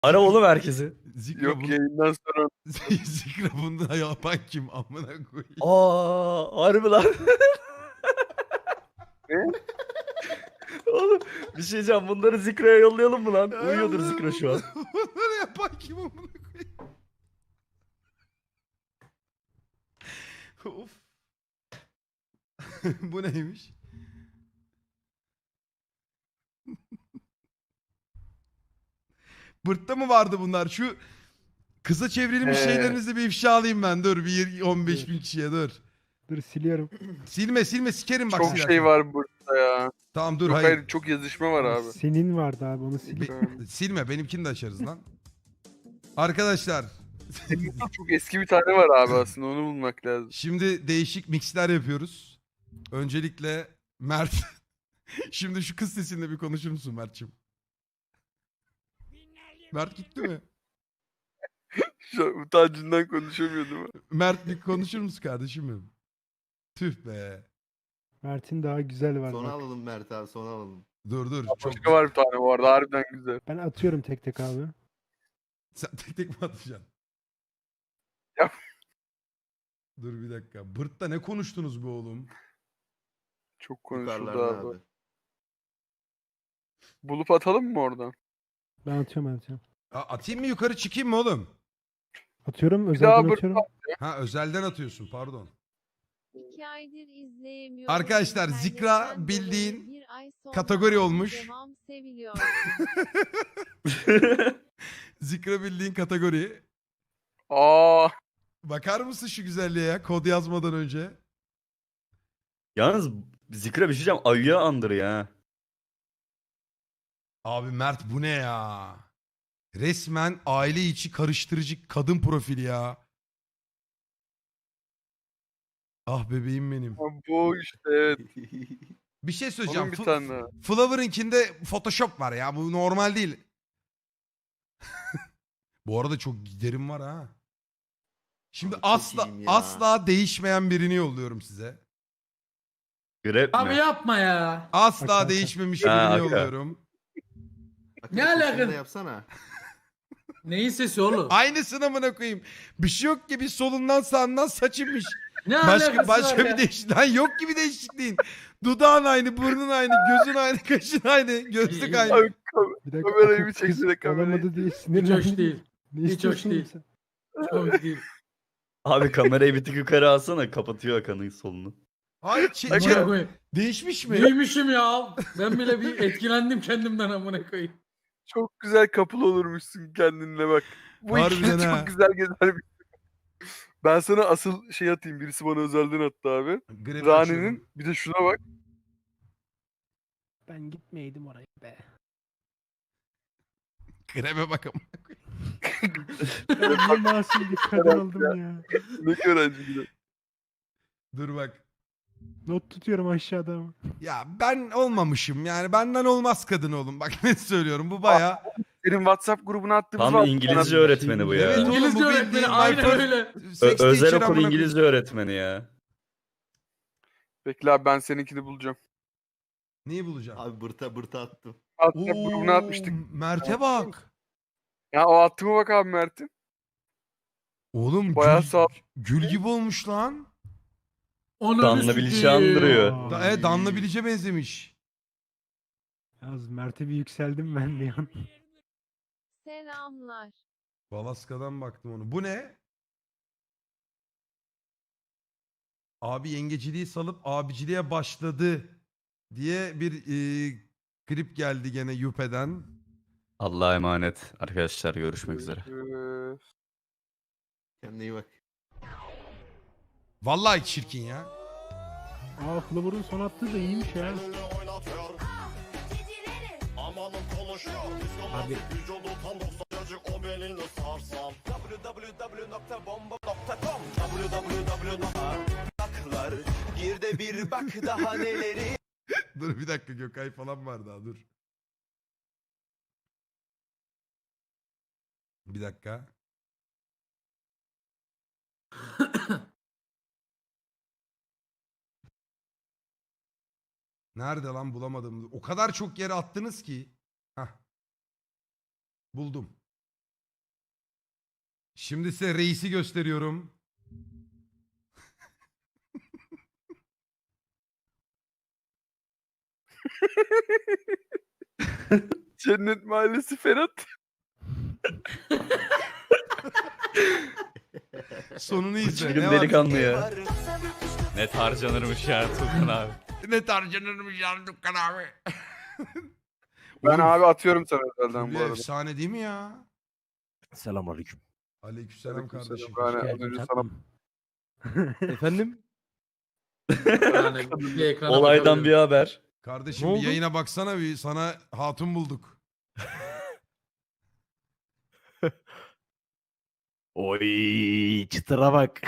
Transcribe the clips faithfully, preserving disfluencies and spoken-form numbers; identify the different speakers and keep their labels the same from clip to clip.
Speaker 1: Ara oğlum herkesi.
Speaker 2: Zikra
Speaker 3: Yok
Speaker 2: bunu...
Speaker 3: yayından sonra
Speaker 2: Zikra bunu yapan kim? Amına koyayım.
Speaker 1: Aa, harbi lan.
Speaker 3: ne?
Speaker 1: Oğlum bir şey diyeceğim. Bunları Zikra'ya yollayalım mı lan?
Speaker 2: Ay
Speaker 1: Uyuyordur
Speaker 2: Allah'ım,
Speaker 1: Zikra şu an.
Speaker 2: bunları- Bunları yapan kim amına koyayım? Of. Bu neymiş? Bırtta mı vardı bunlar? Şu kısa çevrilmiş
Speaker 3: Ee.
Speaker 2: şeylerinizi bir ifşa alayım ben. Dur bir on beş bin kişiye dur.
Speaker 4: Dur siliyorum.
Speaker 2: Silme silme sikerim bak.
Speaker 3: Çok
Speaker 2: silersen.
Speaker 3: şey var burada ya.
Speaker 2: Tamam dur
Speaker 3: Yok
Speaker 2: hayır.
Speaker 3: hayır çok yazışma var abi.
Speaker 4: Senin vardı abi onu sil.
Speaker 2: Be- silme benimkini de açarız lan. Arkadaşlar
Speaker 3: Çok eski bir tane var abi aslında onu bulmak lazım.
Speaker 2: şimdi değişik mixler yapıyoruz. Öncelikle Mert. Şimdi şu kız sesinde bir konuşur musun Mert'ciğim? Mert gitti mi?
Speaker 3: Şu an utancından konuşamıyor değil mi?
Speaker 2: Mert bir konuşur musun kardeşim benim? Tüh be.
Speaker 4: Mert'in daha güzel var
Speaker 5: Sona
Speaker 4: bak.
Speaker 5: alalım Mert abi sona alalım.
Speaker 2: Dur dur. Çok...
Speaker 3: Başka var bir tane bu arada harbiden güzel.
Speaker 4: Ben atıyorum tek tek abi.
Speaker 2: Sen tek tek mi atacaksın?
Speaker 3: Yap.
Speaker 2: Dur bir dakika. Bırt'ta ne konuştunuz be oğlum?
Speaker 3: Çok konuşuldu
Speaker 5: Yukarılarda
Speaker 3: abi.
Speaker 5: abi.
Speaker 3: Bulup atalım mı oradan?
Speaker 4: Ben atıyorum ben atıyorum.
Speaker 2: A- atayım mı yukarı çıkayım mı oğlum?
Speaker 4: Atıyorum
Speaker 3: daha
Speaker 4: özelden
Speaker 3: bır-
Speaker 4: atıyorum.
Speaker 2: Ha özelden atıyorsun pardon.
Speaker 6: İki aydır izleyemiyorum.
Speaker 2: Arkadaşlar, Zikra
Speaker 6: İnternetten
Speaker 2: bildiğin
Speaker 6: dolayı bir ay sonra
Speaker 2: kategori
Speaker 6: ama
Speaker 2: olmuş.
Speaker 6: Devam seviliyor.
Speaker 2: Zikra bildiğin kategori.
Speaker 3: Aa,
Speaker 2: Bakar mısın şu güzelliğe ya kod yazmadan önce?
Speaker 1: Yalnız Zikra bir şey diyeceğim. Ayıya andırıyor ha.
Speaker 2: Abi Mert bu ne ya? Resmen aile içi karıştırıcı kadın profili ya. Ah bebeğim benim.
Speaker 3: bu işte evet.
Speaker 2: Bir şey söyleyeceğim.
Speaker 3: Onun bir
Speaker 2: Fl-
Speaker 3: tane daha.
Speaker 2: Flower'ınkinde Photoshop var ya. Bu normal değil. Bu arada çok giderim var ha. Şimdi
Speaker 5: Abi çok
Speaker 2: asla
Speaker 5: iyiyim ya.
Speaker 2: asla değişmeyen birini yolluyorum size.
Speaker 1: Grep
Speaker 7: Abi
Speaker 1: mi?
Speaker 7: yapma ya.
Speaker 2: Asla
Speaker 4: Aka, aka.
Speaker 2: değişmemiş
Speaker 1: Ha,
Speaker 2: birini
Speaker 1: aka.
Speaker 2: yolluyorum.
Speaker 5: Bak,
Speaker 7: Ne
Speaker 5: sesini
Speaker 7: alaka?
Speaker 5: de yapsana.
Speaker 7: Neyin sesi oğlum?
Speaker 2: Aynısını amına koyayım. Bir şey yok ki bir solundan sağından saçınmış.
Speaker 7: Ne
Speaker 2: Başka
Speaker 7: alakası
Speaker 2: başka
Speaker 7: var
Speaker 2: bir
Speaker 7: ya?
Speaker 2: değişiklik. Lan yok gibi değişikliğin. Dudağın aynı, burnun aynı, gözün aynı, kaşın aynı, gözlük aynı.
Speaker 3: Abi, kam-
Speaker 4: Bir dakika
Speaker 3: Kamerayı
Speaker 4: akıl
Speaker 3: bir
Speaker 4: kız
Speaker 3: çeksene, kamerayı.
Speaker 4: olamadı diye
Speaker 7: Hiç
Speaker 4: sinirlendim.
Speaker 7: hoş değil.
Speaker 4: Ne
Speaker 7: Hiç hoş
Speaker 4: istiyorsun
Speaker 7: değil.
Speaker 4: sen?
Speaker 7: Çok değil.
Speaker 1: Abi kamerayı bir tık yukarı alsana. Kapatıyor Hakan'ın solunu.
Speaker 2: Hayır çe-
Speaker 3: Aga.
Speaker 2: çe-
Speaker 7: Amına koyayım.
Speaker 2: değişmiş mi?
Speaker 7: Neymişim ya? Ben bile bir etkilendim kendimden amına koyayım.
Speaker 3: Çok güzel couple olurmuşsun kendinle bak. Bu
Speaker 2: Harbiden
Speaker 3: ikili
Speaker 2: ha.
Speaker 3: çok güzel gezer bir. Ben sana asıl şey atayım. Birisi bana özelden attı abi.
Speaker 2: Grep
Speaker 3: Rani'nin
Speaker 2: açıyorum.
Speaker 3: bir de şuna bak.
Speaker 4: Ben gitmeydim oraya be.
Speaker 2: Grebe bakalım.
Speaker 4: Ben niye masum bir kadın oldum ya.
Speaker 3: Ne öğrenci gibi.
Speaker 2: Dur bak.
Speaker 4: Not tutuyorum aşağıda ama.
Speaker 2: Ya ben olmamışım yani benden olmaz kadın oğlum. Bak ne söylüyorum bu baya.
Speaker 3: Senin WhatsApp grubuna attığımız
Speaker 1: Tam
Speaker 3: var.
Speaker 1: İngilizce öğretmeni bu ya.
Speaker 2: Evet, oğlum,
Speaker 7: İngilizce
Speaker 2: bu
Speaker 7: öğretmeni
Speaker 2: bildiğin
Speaker 7: aynen
Speaker 2: my first-
Speaker 7: öyle.
Speaker 1: Ö-
Speaker 2: Sex
Speaker 1: özel
Speaker 2: teacher
Speaker 1: okul
Speaker 2: amına
Speaker 1: İngilizce öğretmeni ya.
Speaker 3: Bekle abi ben seninkini bulacağım.
Speaker 2: Neyi bulacağım?
Speaker 5: Abi bırta bırta attım.
Speaker 3: WhatsApp grubuna
Speaker 2: Oo,
Speaker 3: atmıştık.
Speaker 2: Mert'e bak.
Speaker 3: Ya o attığıma bak abi Mert'in.
Speaker 2: Oğlum
Speaker 3: Bayağı
Speaker 2: gül,
Speaker 3: sağ-
Speaker 2: gül gibi olmuş lan.
Speaker 7: Onu
Speaker 1: Danla Bilic'i andırıyor.
Speaker 2: Da, e, Danla Bilic'e benzemiş.
Speaker 4: Yalnız Mert'e bir yükseldim ben bir an.
Speaker 6: Selamlar.
Speaker 2: Balaska'dan baktım onu. Bu ne? Abi yengeciliği salıp abiciliğe başladı diye bir e, klip geldi gene Yüpe'den.
Speaker 1: Allah'a emanet. Arkadaşlar görüşmek üzere.
Speaker 3: Ee,
Speaker 5: Kendine iyi bak.
Speaker 2: Vallahi çirkin ya.
Speaker 4: Aa Flower'ın son attığı da iyiymiş ya. Abi
Speaker 8: Gir de bir bak daha neleri.
Speaker 2: Dur bir dakika Gökay falan var daha dur. Bir dakika. Nerede lan bulamadım. O kadar çok yere attınız ki. Hah. Buldum. Şimdi size reisi gösteriyorum.
Speaker 3: Cennet Mahallesi Ferhat.
Speaker 2: Sonunu izle.
Speaker 1: Çılgın
Speaker 2: Ne var?
Speaker 1: delikanlı ya.
Speaker 9: Net harcanırmış ya Tuğkan abi.
Speaker 2: Ne tarcanırmış ya Dukkan abi.
Speaker 3: Ben
Speaker 2: Oğlum,
Speaker 3: abi atıyorum sana özelden bu
Speaker 2: Fulya
Speaker 3: arada.
Speaker 2: efsane değil mi ya?
Speaker 4: Selamünaleyküm.
Speaker 2: Aleykümselam
Speaker 3: Aleykümselam.
Speaker 2: kardeşim.
Speaker 3: Ben az önce sana
Speaker 4: Efendim?
Speaker 7: Yani bir ekrana
Speaker 1: Olaydan bir
Speaker 7: bakabilirim.
Speaker 1: haber.
Speaker 2: Kardeşim
Speaker 4: Ne
Speaker 2: bir
Speaker 4: oldu?
Speaker 2: yayına baksana, bir sana hatun bulduk.
Speaker 4: Oy çıtıra bak.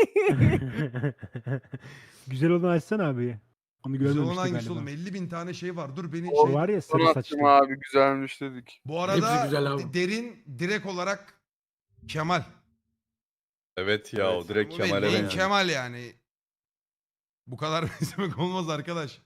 Speaker 10: Güzel olanı açsana abi. Onu
Speaker 2: Güzel
Speaker 10: görmemiştik
Speaker 2: olan hangisi
Speaker 10: galiba.
Speaker 2: oğlum? elli bin tane şey var. Dur beni
Speaker 10: O
Speaker 2: şey...
Speaker 10: var ya
Speaker 3: sana
Speaker 10: sarı
Speaker 3: attım
Speaker 10: saçlı.
Speaker 3: abi güzelmiş dedik.
Speaker 2: Bu arada
Speaker 7: Hepsi güzel abi.
Speaker 2: de- derin direkt olarak Kemal.
Speaker 1: Evet ya o direkt
Speaker 2: Bu
Speaker 1: Kemal'e
Speaker 2: bildiğin
Speaker 1: benziyor.
Speaker 2: Kemal yani. Bu kadar benzemek olmaz arkadaş.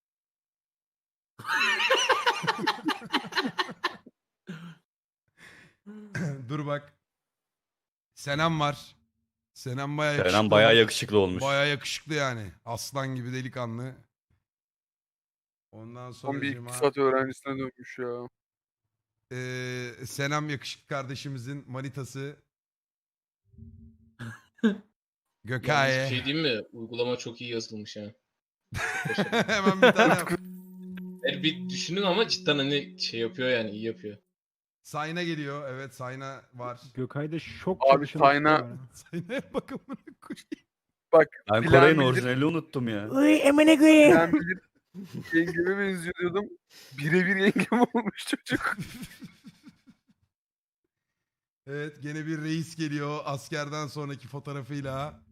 Speaker 2: Dur bak. Senem var. Senem bayağı yakışıklı.
Speaker 1: Kenan bayağı
Speaker 2: olmuş.
Speaker 1: yakışıklı olmuş.
Speaker 2: Bayağı yakışıklı yani. Aslan gibi delikanlı. Ondan sonra
Speaker 3: Son bir iktisat öğrencisine dönmüş ya.
Speaker 2: Ee, Senem yakışıklı kardeşimizin manitası.
Speaker 11: Yalnız bir
Speaker 2: Gökay.
Speaker 11: şey diyeyim mi? Uygulama çok iyi yazılmış ha.
Speaker 2: Hemen bir tane yap.
Speaker 11: Yani bir düşünün ama cidden hani şey yapıyor yani iyi yapıyor.
Speaker 2: Sayna geliyor. Evet Sayna var.
Speaker 10: Gökay'da şok
Speaker 3: Abi
Speaker 10: çalışan
Speaker 3: Sayna-
Speaker 10: var.
Speaker 2: Sayna'ya bakın bunu koyayım.
Speaker 3: Bak
Speaker 1: Ben
Speaker 3: bilen
Speaker 1: Koray'ın
Speaker 3: bilir,
Speaker 1: orijinalini unuttum ya.
Speaker 4: Uy emine koyayım.
Speaker 3: bilen bilir. Yengeme benziyor diyordum. Birebir yengem olmuş çocuk.
Speaker 2: Evet gene bir reis geliyor askerden sonraki fotoğrafıyla.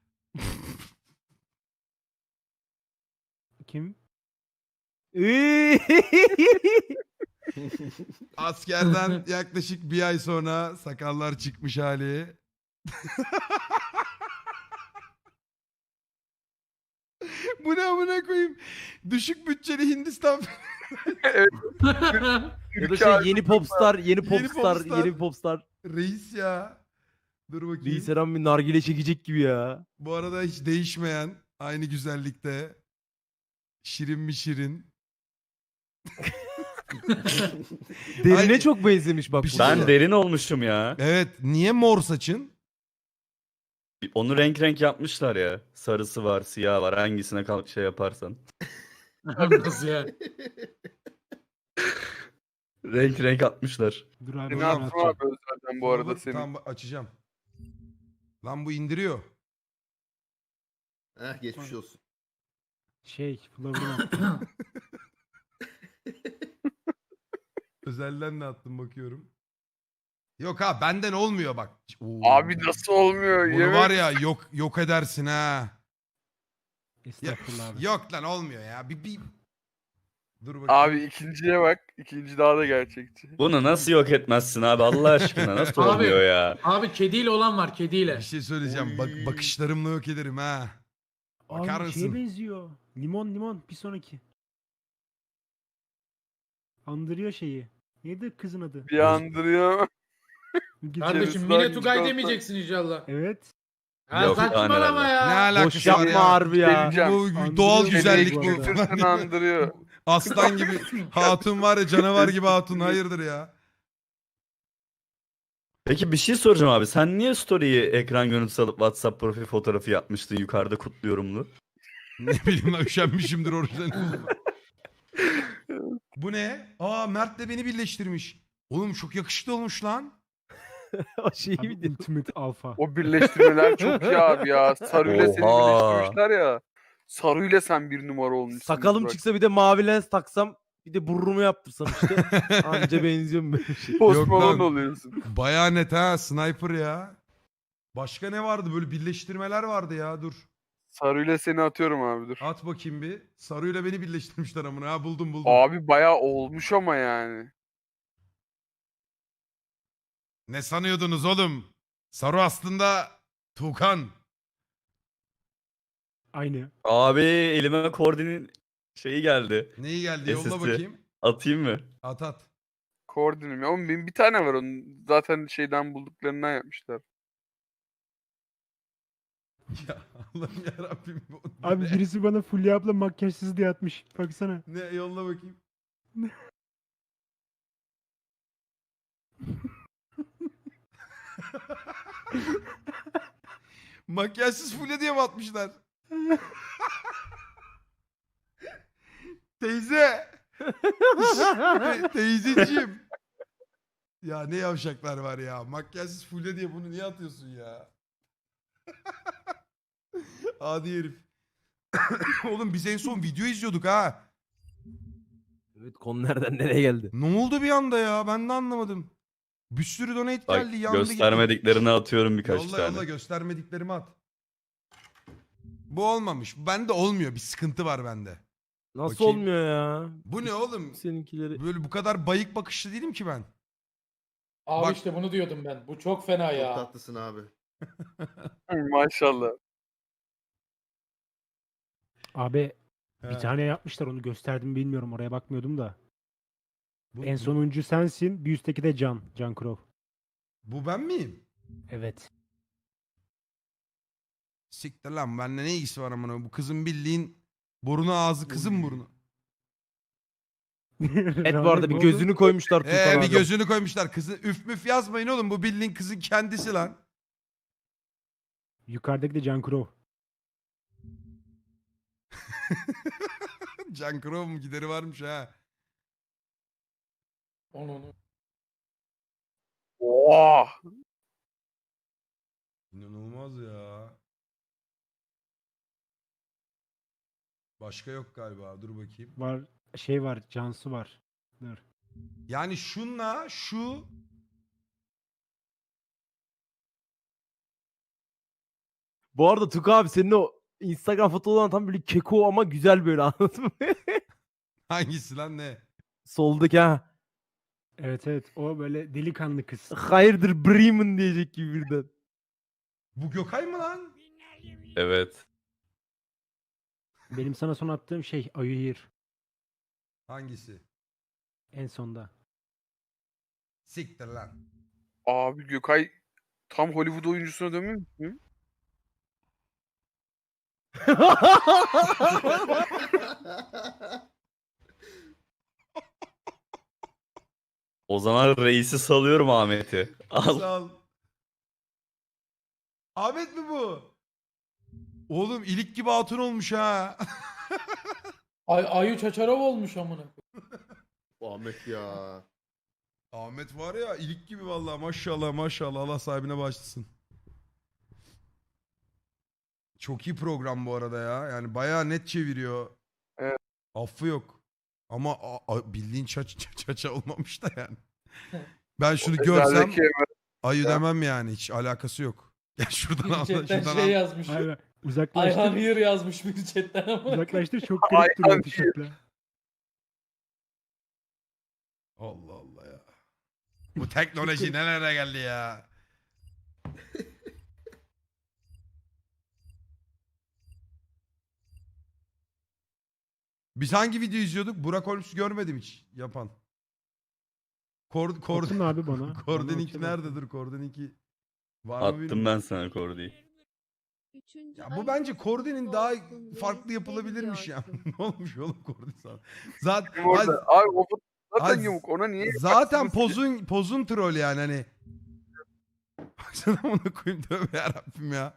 Speaker 10: Kim?
Speaker 4: Uy.
Speaker 2: Askerden yaklaşık bir ay sonra sakallar çıkmış hali. Bu ne amına koyayım? Düşük bütçeli Hindistan.
Speaker 4: Ya da şey yeni popstar, yeni popstar,
Speaker 2: popstar.
Speaker 4: yeni popstar.
Speaker 2: Reis ya. Dur bakayım.
Speaker 4: Reis Eren bir nargile çekecek gibi ya.
Speaker 2: Bu arada hiç değişmeyen aynı güzellikte. Şirin mi şirin?
Speaker 4: Derine
Speaker 2: Ay-
Speaker 4: çok benzemiş bak.
Speaker 2: Bir şey
Speaker 4: bu.
Speaker 1: Ben derin olmuşum ya.
Speaker 2: Evet. Niye mor saçın?
Speaker 1: Onu renk renk yapmışlar ya. Sarısı var, siyah var. Hangisine kal şey yaparsan.
Speaker 7: Nasıl ya?
Speaker 1: Renk renk atmışlar.
Speaker 10: Dur abi.
Speaker 3: Seni
Speaker 10: onu
Speaker 3: attım
Speaker 10: atacağım.
Speaker 3: abi özelden bu arada
Speaker 2: Dur,
Speaker 3: seni.
Speaker 2: Tamam açacağım. Lan bu indiriyor.
Speaker 5: Heh geçmiş olsun.
Speaker 10: Şey, Flower'ın
Speaker 2: Özelden de attım bakıyorum. Yok ha benden olmuyor bak. Oo.
Speaker 3: Abi nasıl olmuyor?
Speaker 2: Bunu
Speaker 3: Yemin-
Speaker 2: var ya yok yok edersin ha. Ya,
Speaker 10: Estağfurullah abi.
Speaker 2: yok lan olmuyor ya. Bir, bir... Dur bakayım.
Speaker 3: Abi ikinciye bak. İkinci daha da gerçekçi.
Speaker 1: Bunu nasıl yok etmezsin abi Allah aşkına nasıl
Speaker 7: Abi.
Speaker 1: olmuyor ya?
Speaker 7: Abi kediyle olan var kediyle.
Speaker 2: Bir şey söyleyeceğim. Bak
Speaker 3: Oy.
Speaker 2: bakışlarımla yok ederim ha. Bakar
Speaker 10: Abi şeye
Speaker 2: mısın?
Speaker 10: benziyor. Limon limon bir sonraki. Andırıyor şeyi. Neydi kızın adı?
Speaker 3: Bir andırıyor.
Speaker 10: Gece-
Speaker 7: Kardeşim
Speaker 3: Yarısı
Speaker 7: Mine
Speaker 3: daha
Speaker 7: Tugay
Speaker 3: güzel
Speaker 7: demeyeceksin inşallah.
Speaker 10: Evet.
Speaker 7: Ha,
Speaker 1: Yok,
Speaker 7: saçmalama
Speaker 1: tane
Speaker 2: Ne
Speaker 7: ya.
Speaker 2: alakası
Speaker 4: Boş
Speaker 2: var
Speaker 4: yapma
Speaker 2: ya?
Speaker 4: harbi ya.
Speaker 3: Geleceğim.
Speaker 2: Bu
Speaker 10: Andırıyor
Speaker 2: doğal
Speaker 10: beni
Speaker 2: güzellik
Speaker 10: bu
Speaker 2: bu.
Speaker 10: arada.
Speaker 3: Küfürsün andırıyor.
Speaker 2: Aslan gibi hatun var ya canavar gibi hatun hayırdır ya.
Speaker 1: Peki bir şey soracağım abi. Sen niye story'yi ekran görüntüsü alıp WhatsApp profil fotoğrafı yapmıştın yukarıda kutluyorumlu?
Speaker 2: Ne bileyim lan üşenmişimdir orijinal. Bu ne? Aa Mert de beni birleştirmiş. Oğlum çok yakışıklı olmuş lan.
Speaker 4: O şeyi
Speaker 10: Abi,
Speaker 4: bir de.
Speaker 10: Ultimate Alpha.
Speaker 3: O birleştirmeler çok iyi abi ya. Saru ile seni
Speaker 1: Oha.
Speaker 3: birleştirmişler ya. Saru ile sen bir numara olmuşsun.
Speaker 4: Sakalım
Speaker 3: Burak.
Speaker 4: çıksa bir de mavi lens taksam bir de burrumu yaptırsam işte. Anca benziyorum böyle şey.
Speaker 3: Post
Speaker 2: Yok
Speaker 3: Malone
Speaker 2: lan.
Speaker 3: oluyorsun.
Speaker 2: Baya net ha sniper ya. Başka ne vardı böyle birleştirmeler vardı ya dur.
Speaker 3: Saru ile seni atıyorum abi dur.
Speaker 2: At bakayım bir. Sarıyla beni birleştirmişler amına ha buldum buldum.
Speaker 3: Abi bayağı olmuş ama yani.
Speaker 2: Ne sanıyordunuz oğlum? Saru aslında Tuğkan.
Speaker 10: Aynı.
Speaker 1: Abi elime Kordi'nin şeyi geldi.
Speaker 2: Neyi geldi yolla
Speaker 1: S S D.
Speaker 2: bakayım.
Speaker 1: Atayım mı?
Speaker 2: At at.
Speaker 3: Koordinim ya. Oğlum benim bir tane var onun. Zaten şeyden bulduklarından yapmışlar.
Speaker 2: Ya Allah'ım yarabbim. bu
Speaker 10: Abi
Speaker 2: ne?
Speaker 10: birisi bana Fulya abla makyajsız diye atmış. Baksana.
Speaker 2: Ne yolla bakayım. Makyajsız Fulya diye mi atmışlar? Teyze. Te- teyzeciğim. Ya ne yavşaklar var ya. Makyajsız Fulya diye bunu niye atıyorsun ya? Adi herif. Oğlum biz en son video izliyorduk ha.
Speaker 4: Evet, konu nereden nereye geldi?
Speaker 2: Ne oldu bir anda ya? Ben de anlamadım. Bir sürü donate
Speaker 1: Bak
Speaker 2: geldi. Yandı gitti.
Speaker 1: göstermediklerini atıyorum birkaç
Speaker 2: Yolla
Speaker 1: tane.
Speaker 2: yolla göstermediklerimi at. Bu olmamış. Bende olmuyor. Bir sıkıntı var bende.
Speaker 4: Nasıl
Speaker 2: Bakayım.
Speaker 4: olmuyor ya?
Speaker 2: Bu ne oğlum?
Speaker 4: Seninkileri.
Speaker 2: Böyle bu kadar bayık bakışlı değilim ki ben.
Speaker 7: Abi
Speaker 2: Bak-
Speaker 7: işte bunu diyordum ben. Bu çok fena
Speaker 5: Çok
Speaker 7: ya.
Speaker 5: tatlısın abi.
Speaker 3: Maşallah.
Speaker 10: Abi
Speaker 2: He.
Speaker 10: bir tane yapmışlar, onu gösterdim bilmiyorum, oraya bakmıyordum da.
Speaker 2: Bu,
Speaker 10: En
Speaker 2: bu-
Speaker 10: sonuncu sensin, bir üstteki de Can. Can Crow.
Speaker 2: bu ben miyim?
Speaker 10: Evet.
Speaker 2: Siktir lan. Bende ne ilgisi var amına? Bu kızın bildiğin burnu ağzı kızın
Speaker 5: Uy.
Speaker 2: burnu.
Speaker 4: Evet, bu arada bir gözünü koymuşlar Tukan
Speaker 2: Ee bir
Speaker 4: abi.
Speaker 2: gözünü koymuşlar. Kızı üf müf yazmayın oğlum. Bu bildiğin kızın kendisi lan.
Speaker 10: Yukarıdaki de Can Crow.
Speaker 2: Can Crow mu gideri varmış ha.
Speaker 7: Onu onu.
Speaker 3: Oha.
Speaker 2: İnanılmaz ya. Başka yok galiba. Dur bakayım.
Speaker 10: Var, şey var, Cansu var. Dur.
Speaker 2: Yani şunla şu
Speaker 4: Bu arada Tukan abi senin o Instagram fotoğrafın tam böyle keko ama güzel böyle, anladın mı?
Speaker 2: hangisi lan ne?
Speaker 4: Soldaki ha.
Speaker 10: Evet evet, o böyle delikanlı kız.
Speaker 4: Hayırdır Bremen diyecek gibi birden.
Speaker 2: Bu Gökay mı lan?
Speaker 1: Evet.
Speaker 10: Benim sana son attığım şey Ayuhir.
Speaker 2: Hangisi?
Speaker 10: En sonda.
Speaker 2: Siktir lan.
Speaker 3: Abi Gökay tam Hollywood oyuncusuna dönmüyor mu?
Speaker 1: O zaman reisi salıyorum Ahmet'i. Al.
Speaker 2: Sağ ol. Ahmet mi bu? Oğlum ilik gibi hatun olmuş ha.
Speaker 7: Ay Ayu Çaçarov olmuş amına.
Speaker 5: Ahmet ya.
Speaker 2: Ahmet var ya ilik gibi vallahi maşallah maşallah Allah sahibine başlasın. Çok iyi program bu arada ya. Yani bayağı net çeviriyor.
Speaker 3: Evet.
Speaker 2: Affı yok. Ama a- a- bildiğin çaç çaça olmamış da yani. Ben şunu görsem
Speaker 3: Ezbeldeki Emre.
Speaker 2: ayı
Speaker 3: Ya.
Speaker 2: demem yani hiç alakası yok. Gel şuradan al.
Speaker 7: Chatten
Speaker 2: Şuradan
Speaker 7: şey
Speaker 2: al.
Speaker 7: yazmış.
Speaker 10: Hayır,
Speaker 7: Ayhan
Speaker 10: uzaklaştır.
Speaker 7: Hıyır yazmış bir chatten ama.
Speaker 10: Uzaklaştır, çok garip duruyor
Speaker 3: Ayhan
Speaker 10: tişörtle.
Speaker 2: Allah Allah ya. Bu teknoloji nelere geldi ya. Biz hangi video izliyorduk? Burak Holmes'u görmedim hiç yapan. Kor, kor,
Speaker 10: Atın abi bana.
Speaker 2: Kordeninki
Speaker 10: Bana
Speaker 2: nerede?
Speaker 10: atın.
Speaker 2: Dur Kordeninki var mı
Speaker 1: Attım
Speaker 2: bilmiyorum.
Speaker 1: ben sana Kordi'yi.
Speaker 6: Üçüncü
Speaker 2: Ya bu
Speaker 6: ayın
Speaker 2: bence Kordenin daha
Speaker 6: olsun,
Speaker 2: farklı
Speaker 6: reis
Speaker 2: yapılabilirmiş ya.
Speaker 6: seviyorsun.
Speaker 2: Ne olmuş oğlum Kordin sana? Zaten,
Speaker 3: Kim orada? Abi o foto- zaten
Speaker 2: Az-
Speaker 3: yamuk. Ona niye?
Speaker 2: zaten
Speaker 3: baksınız ki?
Speaker 2: pozun pozun troll yani hani. Baksana ona koyayım tövbe yarabbim ya.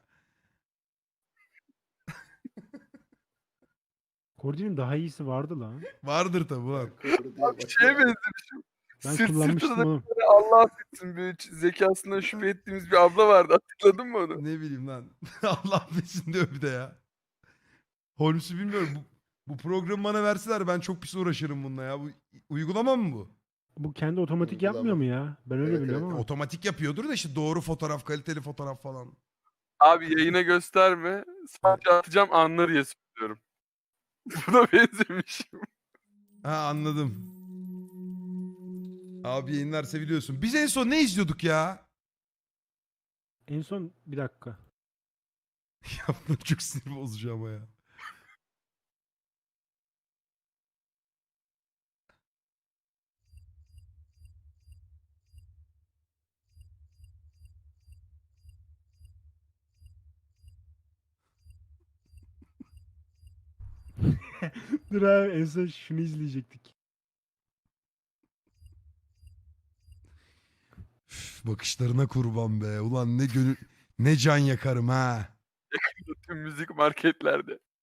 Speaker 10: Kordi'nin daha iyisi vardı lan.
Speaker 2: Vardır tabi lan.
Speaker 3: Abi şeye benzemişim.
Speaker 10: Ben
Speaker 3: Sırt
Speaker 10: kullanmıştım
Speaker 3: sırtına
Speaker 10: onu.
Speaker 3: da Allah affetsin böyle ç- zekasından şüphe ettiğimiz bir abla vardı. Hatırladın mı onu?
Speaker 2: Ne bileyim lan. Allah affetsin diyor bir de ya. Holmes'u bilmiyorum. Bu, bu programı bana verseler ben çok pis uğraşırım bununla ya. Bu uygulama mı bu?
Speaker 10: Bu kendi otomatik
Speaker 5: Uygulama.
Speaker 10: yapmıyor mu ya? Ben öyle
Speaker 5: Evet,
Speaker 10: biliyorum
Speaker 5: evet.
Speaker 10: ama.
Speaker 2: Otomatik yapıyordur da işte doğru fotoğraf, kaliteli fotoğraf falan.
Speaker 3: Abi yayına gösterme. Sadece atacağım anlar diye söylüyorum. Buna benzemişim.
Speaker 2: Ha anladım. Abi yayınlar seviliyorsun. Biz en son ne izliyorduk ya?
Speaker 10: En son bir dakika.
Speaker 2: Ya bunlar çok sinir bozucu ama ya.
Speaker 10: Dur abi en son şunu izleyecektik.
Speaker 2: Üf, bakışlarına kurban be. Ulan ne gönül ne can yakarım ha.
Speaker 3: Tüm müzik marketlerde.